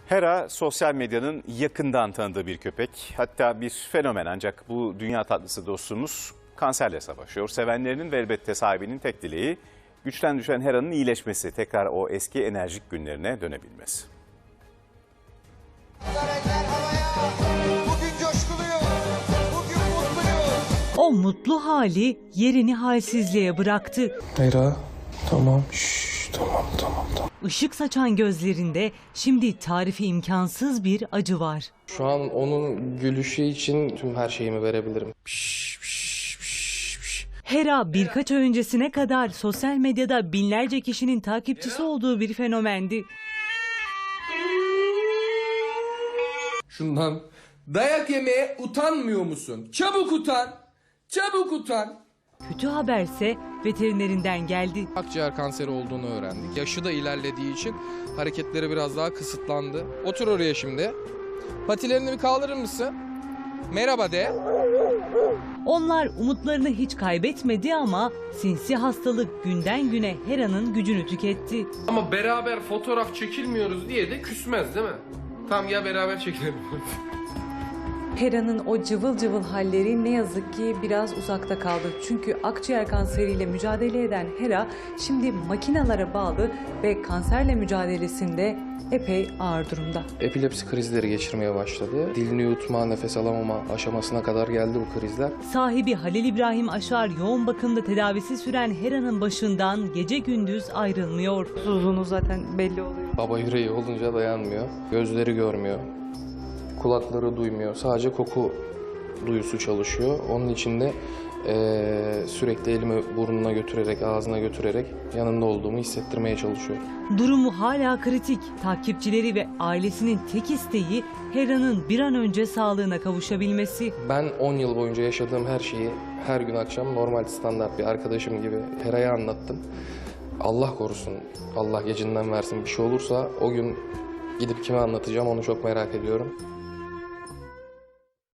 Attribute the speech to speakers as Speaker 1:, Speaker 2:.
Speaker 1: Hera sosyal medyanın yakından tanıdığı bir köpek. Hatta bir fenomen, ancak bu dünya tatlısı dostumuz kanserle savaşıyor. Sevenlerinin ve elbette sahibinin tek dileği güçten düşen Hera'nın iyileşmesi, tekrar o eski enerjik günlerine dönebilmesi.
Speaker 2: Bugün coşkuluyuz, bugün mutluyuz.
Speaker 3: O mutlu hali yerini halsizliğe bıraktı.
Speaker 4: Hera, tamam, tamam.
Speaker 3: Işık saçan gözlerinde şimdi tarifi imkansız bir acı var.
Speaker 4: Şu an onun gülüşü için tüm her şeyimi verebilirim.
Speaker 3: Hera birkaç ay öncesine kadar sosyal medyada binlerce kişinin takipçisi olduğu bir fenomendi.
Speaker 5: Şundan dayak yemeye utanmıyor musun? Çabuk utan! Çabuk utan!
Speaker 3: Kötü haberse veterinerinden geldi.
Speaker 4: Akciğer kanseri olduğunu öğrendik. Yaşı da ilerlediği için hareketleri biraz daha kısıtlandı. Otur oraya şimdi. Patilerini bir kaldırır mısın? Merhaba de.
Speaker 3: Onlar umutlarını hiç kaybetmedi ama sinsi hastalık günden güne Hera'nın gücünü tüketti.
Speaker 5: Ama beraber fotoğraf çekilmiyoruz diye de küsmez değil mi? Tamam ya, beraber çekilelim.
Speaker 6: Hera'nın o cıvıl cıvıl halleri ne yazık ki biraz uzakta kaldı. Çünkü akciğer kanseriyle mücadele eden Hera şimdi makinalara bağlı ve kanserle mücadelesinde epey ağır durumda.
Speaker 4: Epilepsi krizleri geçirmeye başladı. Dilini yutma, nefes alamama aşamasına kadar geldi bu krizler.
Speaker 3: Sahibi Halil İbrahim Aşar yoğun bakımda tedavisi süren Hera'nın başından gece gündüz ayrılmıyor.
Speaker 6: Uzunluğu zaten belli oluyor.
Speaker 4: Baba yüreği olunca dayanmıyor. Gözleri görmüyor. Kulakları duymuyor. Sadece koku duyusu çalışıyor. Onun için de sürekli elimi burnuna götürerek, ağzına götürerek yanında olduğumu hissettirmeye çalışıyor.
Speaker 3: Durumu hala kritik. Takipçileri ve ailesinin tek isteği Hera'nın bir an önce sağlığına kavuşabilmesi.
Speaker 4: Ben 10 yıl boyunca yaşadığım her şeyi her gün akşam normal standart bir arkadaşım gibi Hera'ya anlattım. Allah korusun, Allah gecinden versin, bir şey olursa o gün gidip kime anlatacağım onu çok merak ediyorum.